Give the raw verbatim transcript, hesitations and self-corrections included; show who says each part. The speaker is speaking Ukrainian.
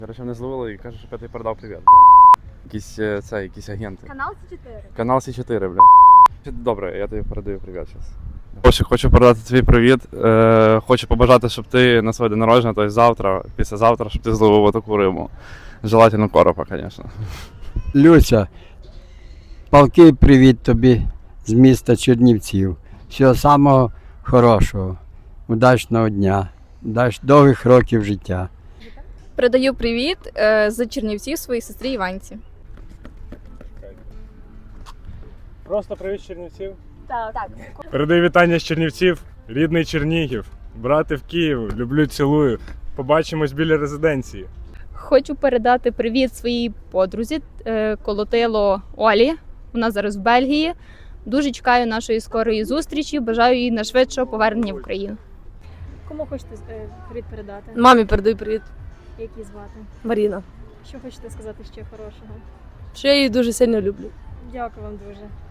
Speaker 1: Короче, мене зловили і каже, що П'ятий передав привіт. Якісь е, це, якісь агенти.
Speaker 2: Канал Сі чотири.
Speaker 1: Канал Сі чотири, бля. Добре, я тобі передаю привіт зараз. Хочу, хочу передати твій привіт. Е, хочу побажати, щоб ти на своє день народження, тобто завтра, післязавтра, щоб ти зловив таку рибу. Желательно коропа, звісно.
Speaker 3: Люся, палкий привіт тобі з міста Чернівців. Всього самого хорошого, удачного дня, удач довгих років життя.
Speaker 4: Передаю привіт е, з Чернівців своїй сестрі Іванці.
Speaker 5: Просто привіт з Чернівців.
Speaker 2: Так. так.
Speaker 5: Передаю вітання з Чернівців, рідний Чернігів, брати в Київ, люблю, цілую. Побачимось біля резиденції.
Speaker 4: Хочу передати привіт своїй подрузі е, Колотило Олі. Вона зараз в Бельгії. Дуже чекаю нашої скорої зустрічі. Бажаю їй найшвидшого повернення в Україну.
Speaker 2: Кому хочете е, привіт передати?
Speaker 6: Мамі передаю привіт.
Speaker 2: Як її звати?
Speaker 6: Маріна.
Speaker 2: Що хочете сказати ще хорошого?
Speaker 6: Що я її дуже сильно люблю.
Speaker 2: Дякую вам дуже.